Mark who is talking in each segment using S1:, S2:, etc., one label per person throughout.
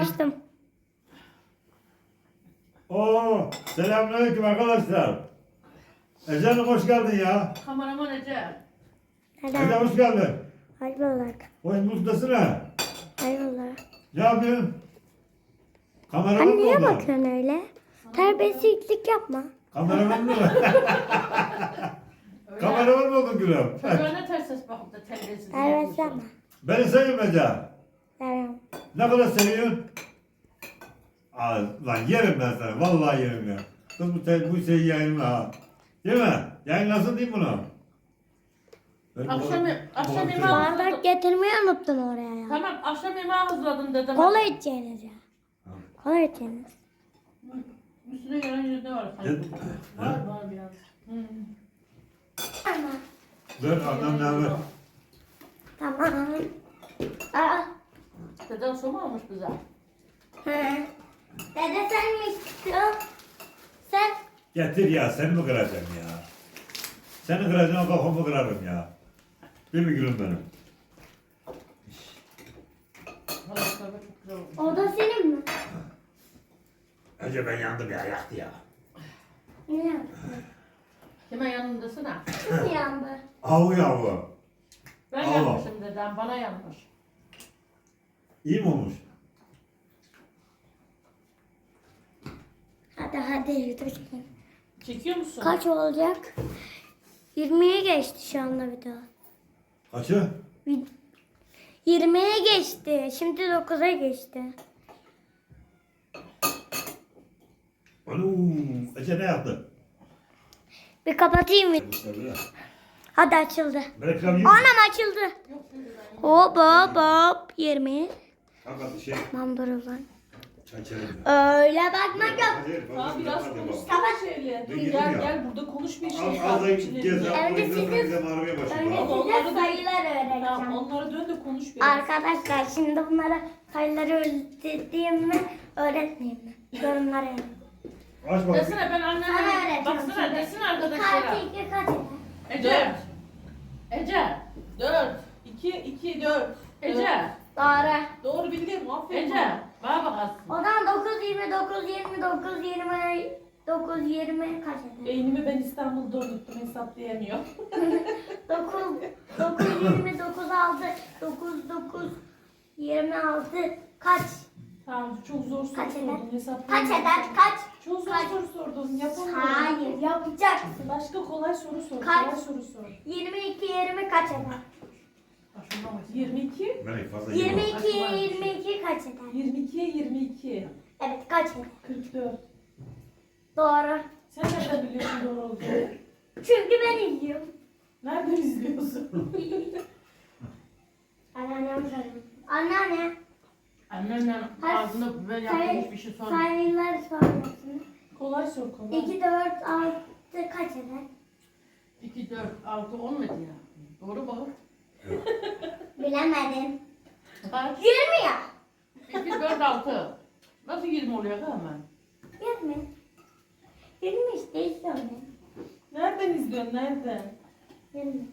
S1: Açtım.
S2: Oo, selamünaleyküm arkadaşlar. Ece Hanım hoş geldin ya.
S3: Kameraman Ece.
S2: Ece
S1: Neden?
S2: hoş geldin.
S1: Hayır bulduk.
S2: Oyun ustasın ha.
S1: Hayır bulduk.
S2: Ne yapıyorsun? Kameraman
S1: Anne
S2: mı
S1: niye
S2: oldun?
S1: bakıyorsun öyle? Terbiyesizlik yapma.
S2: Kameraman mı?
S3: Öyle.
S2: Kameraman mı oldun gülüm?
S3: Çocuğa ne ters ses bakıp da terbiyesiz.
S1: Terbiyesiz yapma.
S2: Beni seviyorum Ece.
S1: Seviyorum.
S2: Ne kadar seviyorsun? Aa, lan yerim ben seni. Vallahi yerim ya. Kız bu şeyi yayınla ha. Değil mi? Yayınlasın değil mi bunu?
S3: Akşam yemeği
S1: Bardak getirmeyi unuttum oraya ya.
S3: Tamam akşam yemeği hazırladım dedim.
S1: Kola içeceğiniz ya. Kola içeceğiniz.
S3: Üstüne gelen yüzde var.
S2: Evet.
S3: Var biraz.
S1: Tamam.
S2: Dur annem ne haber?
S1: Tamam. Aa.
S3: Deden su mu almış bize?
S1: Hı. Dede sen mi istiyorsun? Sen.
S2: Getir ya seni mi kıracağım ya? Seni kıracağım kafamı kırarım ya. Değil mi gülüm benim?
S3: Halatlar da çok güzel olmuş.
S1: O da senin mi?
S2: Ece ben yandım ya yaktı ya.
S1: Ne?
S3: Kime yanındasın ha?
S1: Kim yandı?
S2: Avu yavu.
S3: Ben
S2: Allah.
S3: yanmışım dedem, bana yanmış.
S2: İyi mi olmuş?
S1: Hadi yürü.
S3: Çekiyor musun?
S1: Kaç olacak? 20'ye geçti şu anda video.
S2: Kaçı?
S1: 20'ye geçti. Şimdi 9'a geçti.
S2: Alo, Ece ne yaptı?
S1: Bir kapatayım mı? Hadi açıldı.
S2: Reklam yok.
S1: Anam açıldı. Hop hop hop. 20.
S2: Fakat şey,
S1: Tamam dur o zaman.
S2: çay içelim ya.
S1: Öyle bakmak yok.
S4: Abi biraz konuşsana şöyle.
S2: Dur, gidin
S4: Gel
S2: ya.
S4: gel burada konuş bir şey.
S2: Az da
S4: takipçilerine.
S2: gez,
S1: Önce
S2: ablayı
S1: sizin-
S2: bizim arabaya
S1: Önce
S2: başlayalım.
S1: size sayılar
S4: Tamam
S1: öğreteceğim.
S4: onlara dön de konuş biraz.
S1: Arkadaşlar şimdi bunlara sayıları öğreteyim mi? Öğretmeyeyim mi? Yorumlara yazın.
S2: Aç bakayım.
S3: Desene ben
S1: Sana
S3: anneme,
S1: öğreteceğim
S3: baksana
S1: şimdi.
S3: desene
S1: Kaç
S3: arkadaşlara.
S1: 2 kaç eder?
S3: Ece. Ece.
S4: 4, 2, 4.
S3: Ece.
S1: Doğru.
S4: Doğru bildim aferin.
S3: Ece. Bana bak aslında.
S1: O zaman 9 29 29 20 9 20 kaç eder?
S4: Beynimi ben İstanbul'da unuttum hesaplayamıyor.
S1: 9 9 20 9 6 9 9 26 kaç?
S4: Tamam çok zor soru
S1: Kaç eder?
S4: sordun
S1: Kaç
S4: hesaplayamıyorum.
S1: eder? Kaç?
S4: Çok zor
S1: Kaç?
S4: soru sordun yapamıyorum.
S1: Hayır yapacaksın.
S4: Başka kolay soru sor.
S1: Kaç?
S4: Kolay soru sor.
S1: 22 20 kaç eder?
S3: Başına bak.
S4: 22,
S2: Ben fazla
S1: 22 22 kaç eder?
S4: 22'ye 22.
S1: Evet kaç eder?
S4: 44.
S1: Doğru.
S4: Sen nereden biliyorsun doğru olduğunu?
S1: Çünkü ben izliyorum.
S4: Nereden izliyorsun?
S1: Anneannem soruyor. Anneanne.
S3: Annemle ağzında böyle yapılmış bir şey sorma.
S1: Sayıları soruyorsun.
S4: Kolay sor kolay.
S1: 2 4 6 kaç eder?
S3: 2, 4, 6, 10 mu ya? Doğru mu?
S1: Bilemedim.
S3: Kaç?
S1: 20 ya.
S3: 2, 4, 6. Nasıl 20 oluyor hemen?
S1: 20. 20 işte izliyorum ben.
S4: Nereden izliyorsun nereden?
S1: 20.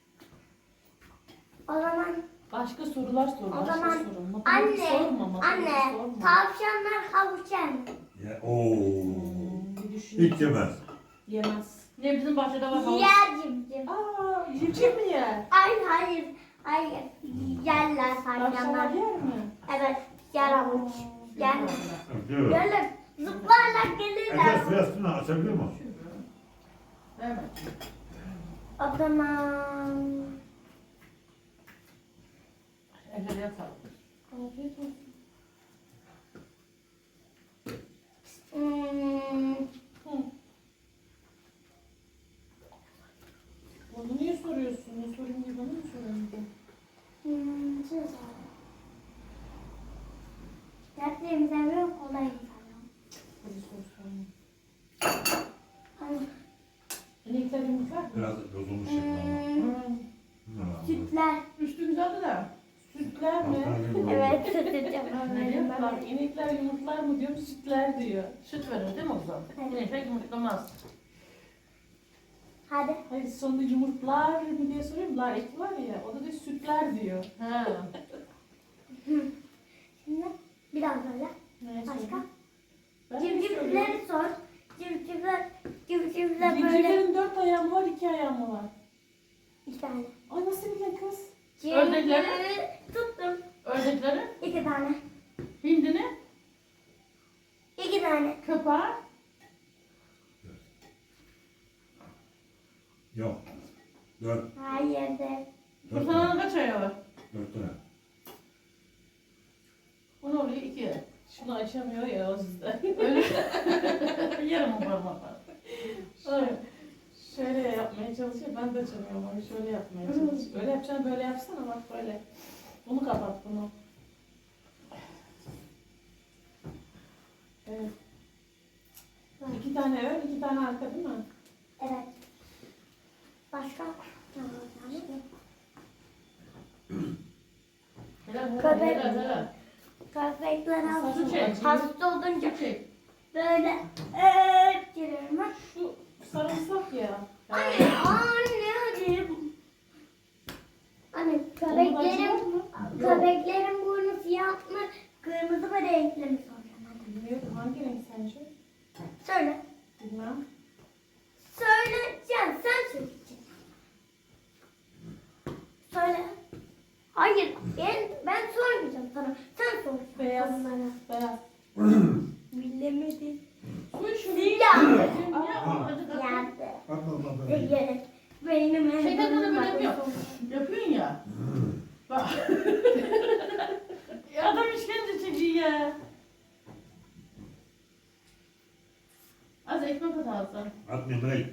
S1: O zaman
S4: Başka sorular sor.
S1: O
S4: Başka
S1: zaman
S4: sorun. Matematik sorma. Matematik
S1: anne
S4: sorma.
S1: tavşanlar havuç yer mi?
S2: Ya, ooo.
S4: Bir düşüneyim.
S2: Hiç yemez.
S4: Yemez.
S3: Ne bizim bahçede var havuç.
S1: Yer cimcim.
S4: Aa, civciv mi yer?
S1: Hayır. Yerler
S4: Tavşanlar
S1: tavşanlar.
S4: yer mi?
S1: Evet yer havuç. Yer mi?
S2: Diyor.
S1: Gelir. Zıplarlar
S2: Ece
S1: gelirler.
S2: sırasını açabiliyor mu?
S3: Evet.
S1: O zaman
S3: Ece'ye sağlık.
S4: Afiyet olsun.
S1: hmm,
S4: Hı. Onu niye soruyorsun? Ne sorayım diye bana mı soruyorsun?
S1: şey sorayım. Dertlerimi seviyorum, kolay seviyorum.
S4: Hadi soru sorma.
S1: Hani,
S4: İnekler yumurtlar mı?
S2: Biraz bozulmuş şekli
S1: sütler.
S3: Üstü güzeldi de.
S4: Sütler mi?
S1: Evet, süt
S3: Ne
S1: içeceğim.
S4: Bak inekler yumurtlar mı diyorum sütler diyor.
S3: Süt verir değil mi o zaman?
S1: Evet.
S3: Yine pek yumurtlamaz.
S1: Hadi.
S4: Hayır sonunda yumurtlar mı diye soruyorum. La eki var ya o da sütler diyor.
S3: He.
S1: Şimdi Bir daha söyle.
S4: Ne
S1: Başka?
S4: söyleyeyim? Ben de söylüyorum.
S1: Civcivleri sor. Civcivler böyle
S4: Civcivlerin 4 ayağı mı var, 2 ayağı mı var?
S1: 2 tane.
S4: Ay nasıl bildin kız?
S3: Ördekleri?
S1: Tuttum.
S3: Ördekleri?
S1: 2 tane.
S3: Hindini?
S1: 2 tane.
S3: Köpeği?
S2: Yok. 4.
S1: Hayır de.
S3: Kurtalanın kaç ayağı var?
S2: 4 tane.
S3: O ne oluyor? 2.
S4: Şunu açamıyor ya o yüzden.
S3: Öyle. Yarım parmaklar.
S4: Ay, şöyle yapmaya çalışıyor. Ben de açamıyorum onu. Şöyle yapmaya çalışıyor. Öyle yapacağım, böyle yapsana bak böyle. Bunu kapat bunu. Evet. 2 tane ön, 2 tane arka değil mi?
S1: Evet. Başka? Tamam.
S3: Helal,
S1: Köpek.
S3: helal, helal.
S1: Köpekler
S3: Su çek.
S1: hasta olunca
S3: Su çek.
S1: böyle giriyorum. Ha?
S4: Şu sarımsak ya.
S1: Anne hadi. Anne köpeklerin burnu siyah mı, kırmızı mı, renkli mi soracağım hadi.
S4: Bilmiyorum hangi renk sence?
S1: Söyle.
S4: Bilmem.
S1: Söyleyeceğim, sen söyleyeceksin. Söyle. Hayır, ben sormayacağım sana. Sen sor.
S4: Beyaz.
S1: Bana.
S4: Beyaz.
S1: Bilemedim.
S3: Su iç şunu.
S1: Siyah.
S3: Ya, acı tatlı.
S1: Geldi.
S2: Atma.
S1: Evet. Benim
S3: Şeyden böyle yapıyor. Yapıyorsun ya. Bak. Ya adam işkence çekiyor ya. Az ekmek at ağzına.
S2: Atmayayım bırak.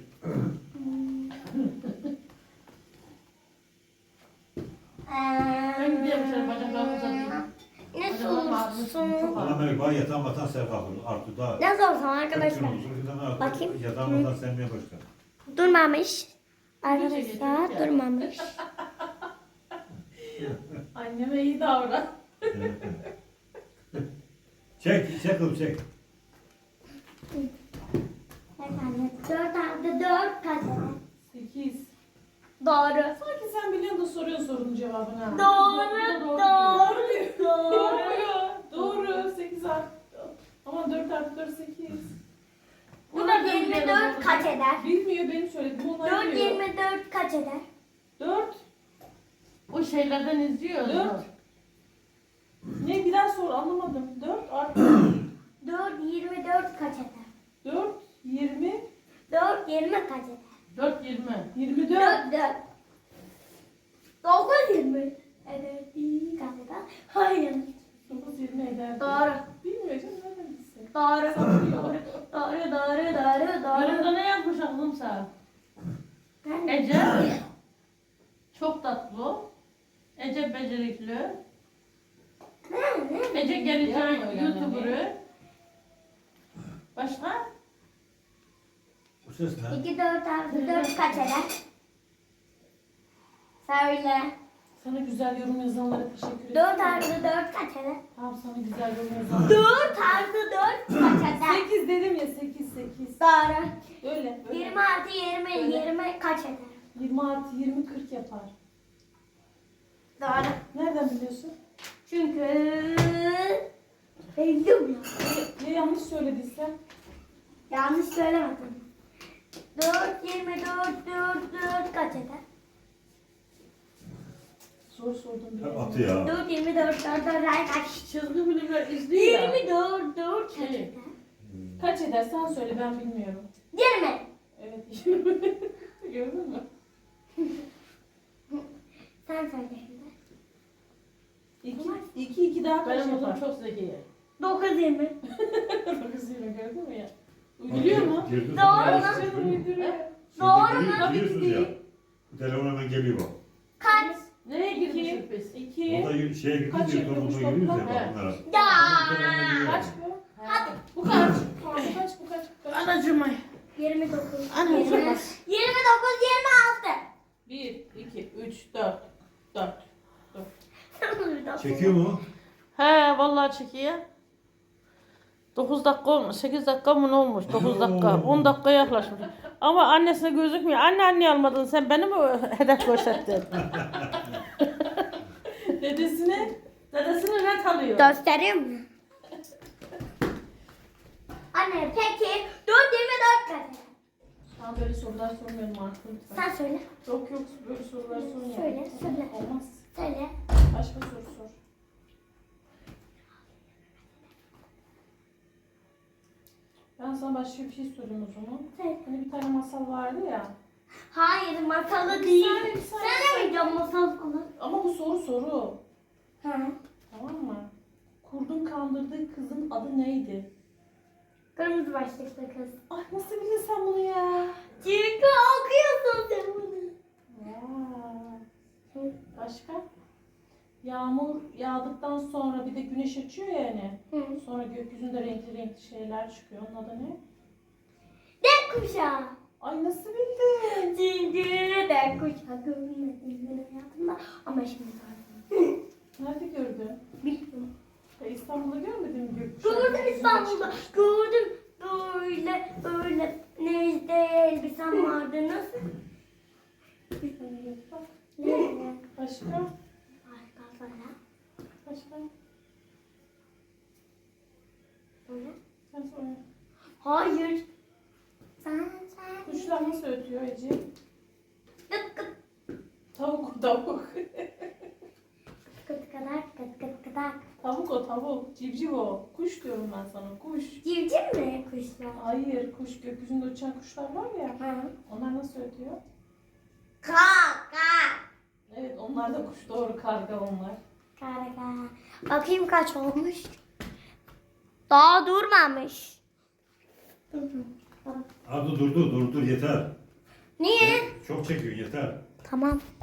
S3: Ben gidiyorum şöyle bacaklarımı uzatayım.
S1: Ne
S3: Bacaklarım ağrıyor, çok
S1: sorsun?
S2: Bana
S3: ağrıyor.
S2: böyle bana yatağın batan sen kalkır. Artık daha.
S1: Ne sorsam arkadaşlar?
S2: Bakayım.
S1: Bakayım.
S2: Yatağın batan sevmeye başla.
S1: Durmamış. Arkadaşlar
S3: geçiyoruz ya.
S1: durmamış.
S4: Anneme iyi davran.
S2: Çek kızım çek.
S1: Efendim 4 artı 4 kaç eder?
S4: 8.
S1: Doğru.
S4: Sanki sen biliyorsun da soruyorsun sorunun cevabını. ha.
S1: Doğru.
S4: Doğru. 8 artı. Ama 4 artı 4 8.
S3: Bunlar da
S1: 24 kaç eder?
S4: Bilmiyor benim söylediğim onlar
S1: 4
S4: biliyor.
S1: 24 kaç eder?
S4: 4.
S3: O şeylerden izliyoruz.
S4: Dört. Ne bir daha sor anlamadım. 4 artı
S1: 4 24 kaç eder?
S4: 4 20
S1: 4 20 kaç eder?
S3: 4 20.
S4: 24.
S1: 4 4 9 20 eder. Kaç eder? Hayır.
S4: 9 20 eder.
S1: Doğru.
S4: Bilmiyor canım nereden bilsin?
S1: Doğru. Doğru.
S3: Yorumda ne yazmış aklım sana?
S1: Ben
S3: Ece çok tatlı. Ece becerikli.
S1: ne?
S3: Ece geleceğin
S4: Yapmıyor yani.
S3: YouTuber'ı. Başka?
S2: Bu ses ne?
S1: 2 4 artı 4 kaç eder? Söyle.
S4: Sana güzel yorum yazanlara teşekkür ederim.
S1: 4 artı 4 kaç eder?
S4: Tamam sana güzel yorum yazanlara.
S1: 4 artı 4 kaç eder?
S4: 8 dedim ya 8 8.
S1: Doğru.
S4: Öyle.
S1: 20 artı 20
S4: Öyle.
S1: 20 kaç eder?
S4: 20 artı 20 40 yapar.
S1: Doğru.
S4: Nereden biliyorsun?
S1: Çünkü bildim ya.
S4: Ya yanlış söylediysen?
S1: Yanlış söylemedim. 4 24 4 kaç eder?
S4: Soru sordum.
S2: Hep
S4: bilemedim.
S2: atı ya.
S1: 4 24 4 ay kaç?
S3: Çizgi filmler izliyor ya.
S1: 24 4 kaç
S3: Şey.
S1: eder?
S4: Kaç eder sen söyle ben bilmiyorum.
S1: 20.
S4: Evet. Gördün mü?
S1: Sen söyle şimdi.
S4: 2 2 daha kaç
S3: Benim
S4: yapar?
S3: oğlum çok zeki.
S1: 9 20.
S4: 9 20 gördün mü ya?
S3: Uyduruyor mu?
S2: Girdi.
S1: Doğru
S4: Ay
S1: lan.
S4: canım uyduruyor.
S1: Doğru
S2: mu?
S4: Tabii ki
S2: Biliyorsunuz ya.
S4: değil.
S2: Bu telefon hemen geliyor bak.
S1: Kaç?
S3: Nereye
S4: İki.
S3: girmişiz biz?
S4: 2
S2: Orada şeye
S4: Kaç
S2: gidiyoruz ya,
S4: yapıyormuş
S2: topluma giriyoruz ya
S3: toplam?
S2: bak bunlara.
S1: Ya.
S4: kaç bu?
S3: Hadi.
S4: Bu kaç? Bu kaç? Bu kaç? Bu kaç?
S3: Anacığım ay.
S1: 29.
S3: Ana,
S1: 20. 29
S3: bak.
S1: 26.
S4: 1 2 3 4 4.
S2: Çekiyor mu?
S3: He vallahi çekiyor. 9 dakika olmuş, 8 dakika mı ne olmuş? 9 dakika, 10 dakika yaklaşmış. Ama annesine gözükmüyor. Anne almadın sen beni mi hedef gösterdin?
S4: Dedesine
S3: Dedesini net alıyor.
S1: Göstereyim mi? Anne peki 4/24 kaç?
S4: Ben böyle sorular sormuyorum artık.
S1: Sen söyle.
S4: Yok yok böyle sorular sormuyorum.
S1: Söyle.
S4: Olmaz.
S1: Söyle.
S4: Başka soru sor. Ben sana başka bir şey sorayım o zaman.
S1: Söyle.
S4: Hani bir tane masal vardı ya.
S1: Hayır masalı değil.
S4: saniye.
S1: Sen de mi diyorsun masal falan?
S4: Ama bu soru.
S1: Hı.
S4: Tamam mı? Kurdun kandırdığı kızın adı neydi?
S1: Kırmızı başlıklı kız.
S4: Ay nasıl bildin sen bunu ya?
S1: Çünkü okuyorsun sen bunu.
S4: Vay. Başka? Yağmur yağdıktan sonra bir de güneş açıyor ya hani.
S1: Hı.
S4: Sonra gökyüzünde renkli renkli şeyler çıkıyor. Onun adı ne?
S1: Dek kuşağı.
S4: Ay nasıl bildin?
S1: Çünkü dek kuşağı görmedim benim hayatımda. Ama şimdi gördüm.
S4: Nerede gördün?
S1: Bilmiyorum.
S4: İstanbul'da görmedin mi gökkuşağı?
S1: Gördüm İstanbul'da. Gördüm. Böyle nezde elbisem vardı. Nasıl? Ne?
S4: Başka?
S1: Başka böyle.
S4: Başka?
S1: Böyle.
S4: Sen söyle.
S1: Hayır. Sen.
S4: Kuşlar nasıl ötüyor Ece?
S1: Kıt kıt
S4: Tavuk.
S1: kıt kadar kıt kıt kadar.
S4: Tavuk o tavuk. Civciv o. Kuş diyorum ben sana. Kuş.
S1: Civciv mi kuşlar?
S4: Hayır kuş. Gökyüzünde uçan kuşlar var ya.
S1: Hı.
S4: Onlar nasıl ötüyor?
S1: Kaka.
S4: Evet onlar da kuş. Doğru karga onlar.
S1: Karga. Bakayım kaç olmuş. Daha durmamış.
S2: Abi dur yeter.
S1: Niye?
S2: Çok çekiyor yeter.
S1: Tamam.